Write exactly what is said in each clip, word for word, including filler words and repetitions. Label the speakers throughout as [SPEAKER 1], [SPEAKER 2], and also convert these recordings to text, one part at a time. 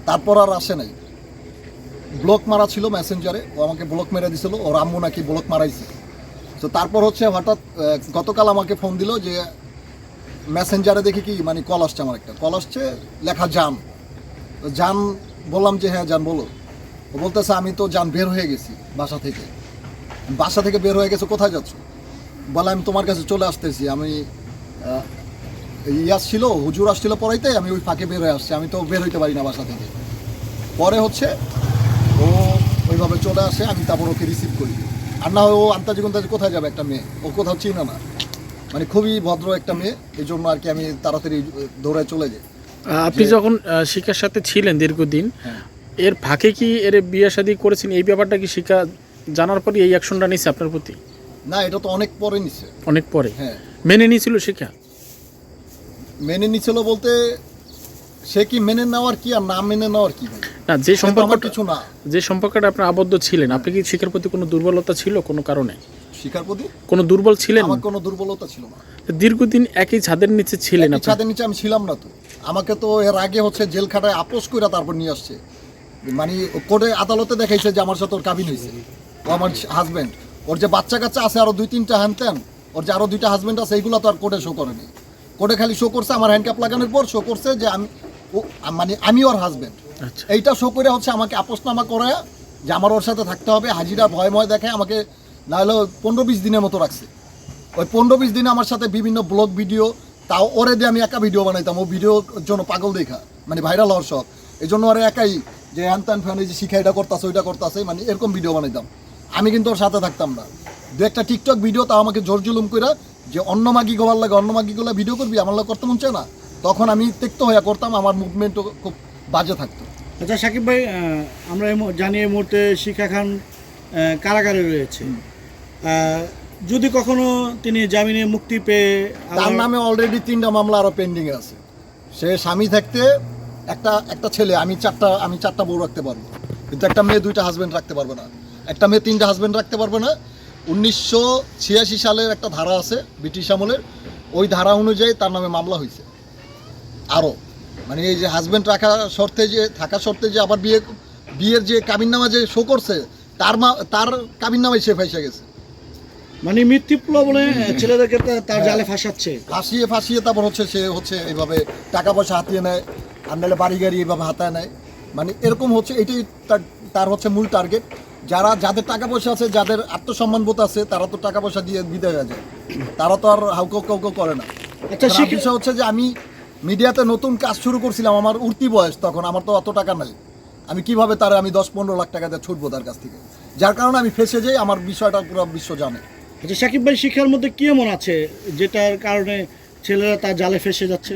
[SPEAKER 1] তারপর আর আসে নাই। ব্লক মারা ছিল মেসেঞ্জারে, ও আমাকে ব্লক মেরে দিছিল, ওর আম্মু নাকি ব্লক মারাইছে। তো তারপর হচ্ছে হঠাৎ গতকাল আমাকে ফোন দিল যে মেসেঞ্জারে দেখি কি মানে কল আসছে, আমার একটা কল আসছে লেখা জান। তো জান বললাম যে হ্যাঁ জান বলো। ও বলতেছে আমি তো জান বের হয়ে গেছি বাসা থেকে। বাসা থেকে বের হয়ে গেছে, কোথায় যাচ্ছ? বলে আমি তোমার কাছে চলে আসতেছি, আমি ইয়াস ছিল হুজুর আসছিল পড়াইতে, আমি ওই ফাঁকে বের হয়ে আসছি, আমি তো বের হইতে পারি না বাসা থেকে। পরে হচ্ছে ও ওইভাবে চলে আসে, আমি তারপর ওকে রিসিভ করি। আর না হয় ও আন্তাজি গুন্তাজি কোথায় যাবে একটা মেয়ে, ও কোথাও চিনে না, মানে খুবই ভদ্র একটা মেয়ে, এই জন্য আর কি আমি তাড়াতাড়ি দৌড়ায় চলে যাই।
[SPEAKER 2] আপনি যখন শিখার সাথে ছিলেন দীর্ঘদিন,
[SPEAKER 1] হ্যাঁ।
[SPEAKER 2] এর ফাঁকে কি এর বিয়ে শাদী করেছেন, এই ব্যাপারটা কি শিখা জানার পরে এই অ্যাকশনটা নিয়েছে আপনার প্রতি?
[SPEAKER 1] না, এটা তো অনেক পরে নিছে।
[SPEAKER 2] অনেক পরে?
[SPEAKER 1] হ্যাঁ।
[SPEAKER 2] মেনে নিয়েছিল শিখা?
[SPEAKER 1] মেনে নিছিল বলতে সে কি মেনে নেওয়ার কি আর না মেনে নেওয়ার কি ভাই?
[SPEAKER 2] না, যে সম্পর্কটা
[SPEAKER 1] কিছু না,
[SPEAKER 2] যে সম্পর্কটা আপনার আবদ্ধ ছিলেন, আপনি কি শিখার প্রতি কোনো দুর্বলতা ছিল কোনো কারণে?
[SPEAKER 1] শিখার প্রতি
[SPEAKER 2] কোনো দুর্বল ছিলেন?
[SPEAKER 1] আমার কোনো দুর্বলতা ছিল না।
[SPEAKER 2] দীর্ঘদিন একই ছাদের নিচে ছিলেন
[SPEAKER 1] একই
[SPEAKER 2] আপনি।
[SPEAKER 1] ছাদের নিচে আমি ছিলাম না তো। আমাকে তো এর আগে হচ্ছে জেল খাটায় আপোষ করে তারপর নিয়ে আসছে, মানে কোর্টে আদালতে দেখাইছে যে আমার সাথে ওর কাবিন হয়েছে, ও আমার হাজব্যান্ড। ওর যে বাচ্চা কাচ্চা আছে আরো দুই তিনটা হ্যান ত্যান, ওর যে আরো দুইটা হাজব্যান্ড আছে, এইগুলো তো আর কোর্টে শো করেনি। কোর্টে খালি শো করছে আমার হ্যান্ডক্যাপ লাগানোর পর শো করছে যে আমি ও মানে আমি ওর হাজব্যান্ড।
[SPEAKER 2] আচ্ছা।
[SPEAKER 1] এইটা শো করে হচ্ছে আমাকে আপোষনামা করে যে আমার ওর সাথে থাকতে হবে, হাজিরা ভয় ভয় দেখায় আমাকে, না হলে পনেরো বিশ দিনের মতো রাখছে। ওই পনেরো বিশ দিনে আমার সাথে বিভিন্ন ব্লগ ভিডিও, তাও ওরে দিয়ে আমি একা ভিডিও বানাইতাম, ও ভিডিওর জন্য পাগল দেখা, মানে ভাইরাল হওয়ার শখ। এই জন্য ওরা একাই যে হ্যান ত্যান ফ্যান যে শিখা এটা করতেছে ওইটা করতেছে, মানে এরকম ভিডিও বানাইতাম। আমি কিন্তু ওর সাথে থাকতাম না। দু একটা টিকটক ভিডিও তাও আমাকে জোর জুলুম করে যে অন্য মাগি গোয়ার লাগে, অন্য মাগিগুলো ভিডিও করবি, আমার লাগে করতে মন চায় না, তখন আমি তেক্ত হয়ে করতাম, আমার মুভমেন্টও খুব বাজে থাকতো।
[SPEAKER 3] আচ্ছা সাকিব ভাই, আহ, আমরা এই মু- জানি এই মুহূর্তে শিখা খান আহ, কারাগারে রয়েছে। আহ, যদি কখনো তিনি জামিনে মুক্তি পেয়ে
[SPEAKER 1] তার
[SPEAKER 3] আবার-
[SPEAKER 1] নামে অলরেডি তিনটা মামলা আরও পেন্ডিংয়ে আছে। সে স্বামী থাকতে একটা একটা ছেলে, আমি চারটা আমি চারটা বউ রাখতে পারবো, কিন্তু একটা মেয়ে দুইটা হাজব্যান্ড রাখতে পারবে না, একটা মেয়ে তিনটা হাজব্যান্ড রাখতে পারবে না। উনিশশো ছিয়াশি সালের একটা ধারা আছে ব্রিটিশ আমলের, ওই ধারা অনুযায়ী তার নামে মামলা হয়েছে আরও, মানে এই যে হাজব্যান্ড রাখা শর্তে যে থাকা শর্তে যে আবার বিয়ে বিয়ের যে কাবিননামা যে শো করছে, তার মা তার কাবিননামায় সে ফাইসা গেছে।
[SPEAKER 3] মানে মৃত্যুপ্ল বলে ছেলেদেরকে তা- তার জালে ফাঁসাচ্ছে।
[SPEAKER 1] ফাঁসিয়ে ফাঁসিয়ে তারপর হচ্ছে সে হচ্ছে এইভাবে টাকা পয়সা হাতিয়ে নেয়, আর নাহলে বাড়ি গাড়ি এইভাবে হাতায় নেয়, মানে এরকম হচ্ছে। এটাই তার তার হচ্ছে মূল টার্গেট। যারা যাদের টাকা পয়সা আছে, যাদের আত্মসম্মান বোধ আছে, তারা তো টাকা পয়সা দিয়ে বিদায় হয়ে যায়, তারা তো আর হাউকাউ কাউকে করে না।
[SPEAKER 3] আচ্ছা,
[SPEAKER 1] তার
[SPEAKER 3] শিখে-
[SPEAKER 1] বিষয় হচ্ছে যে আমি মিডিয়াতে নতুন কাজ শুরু করছিলাম, আমার উঠতি বয়স তখন, আমার তো অত টাকা নাই, আমি কিভাবে তার আমি দশ পনেরো লাখ টাকা দিয়ে ছুটবো তার কাছ থেকে, যার কারণে আমি ফেসে যাই, আমার বিষয়টা পুরো বিশ্ব জানে।
[SPEAKER 3] আচ্ছা সাকিব ভাই, শিক্ষার মধ্যে কি এমন আছে যেটার কারণে ছেলেরা তার জালে ফেসে যাচ্ছে?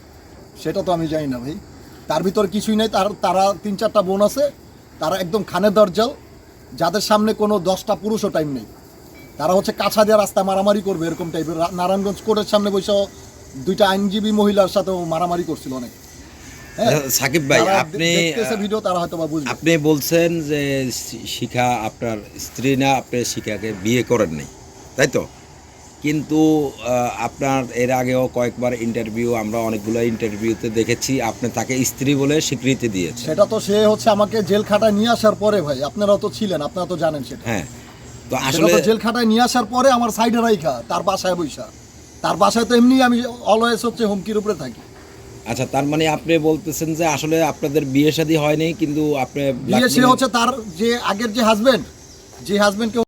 [SPEAKER 1] সেটা তো আমি জানি না ভাই, তার ভিতরে কিছুই নেই। তার তারা তিন চারটা বোন আছে, তারা একদম খানে দরজাল, যাদের সামনে কোনো দশটা পুরুষও টাইম নেই। তারা হচ্ছে কাছা দিয়ে রাস্তা মারামারি করবে এরকম টাইপের। নারায়ণগঞ্জ কোর্টের সামনে বসে দুইটা আইনজীবী মহিলার সাথেও মারামারি করছিল অনেক। হ্যাঁ,
[SPEAKER 4] সাকিব ভাই,
[SPEAKER 1] যারা
[SPEAKER 4] আপনি
[SPEAKER 1] দেখতেছে ভিডিও তারা হয়তো বা বুঝবে।
[SPEAKER 4] আপনি বলছেন যে শি- শিখা আপনার স্ত্রী না, আপনি শিখাকে বিয়ে করেন নাই, তাই তো? কিন্তু আহ, আপনার এর আগেও কয়েকবার ইন্টারভিউ, আমরা অনেকগুলো ইন্টারভিউতে দেখেছি আপনি তাকে স্ত্রী বলে স্বীকৃতি দিয়েছেন।
[SPEAKER 1] সেটা তো সে হচ্ছে আমাকে জেল খাটায় নিয়ে আসার পরে ভাই, আপনারাও তো ছিলেন, আপনারা তো জানেন সেটা।
[SPEAKER 4] হ্যাঁ, তো
[SPEAKER 1] সেটা
[SPEAKER 4] আসলে
[SPEAKER 1] তো জেল খাটায় নিয়ে আসার পরে আমার সাইডে রাইখা তার বাসায় বৈশা, তার বাসায় তো এমনি আমি অলওয়েজ হচ্ছে হুমকির উপরে থাকি।
[SPEAKER 4] আচ্ছা, তার মানে আপনি বলতেছেন যে আসলে আপনাদের বিয়ে শাদী হয়নি, কিন্তু আপনি
[SPEAKER 1] বিয়ে সে হচ্ছে তার যে আগের যে হাজবেন্ড, যে হাজবেন্ডকে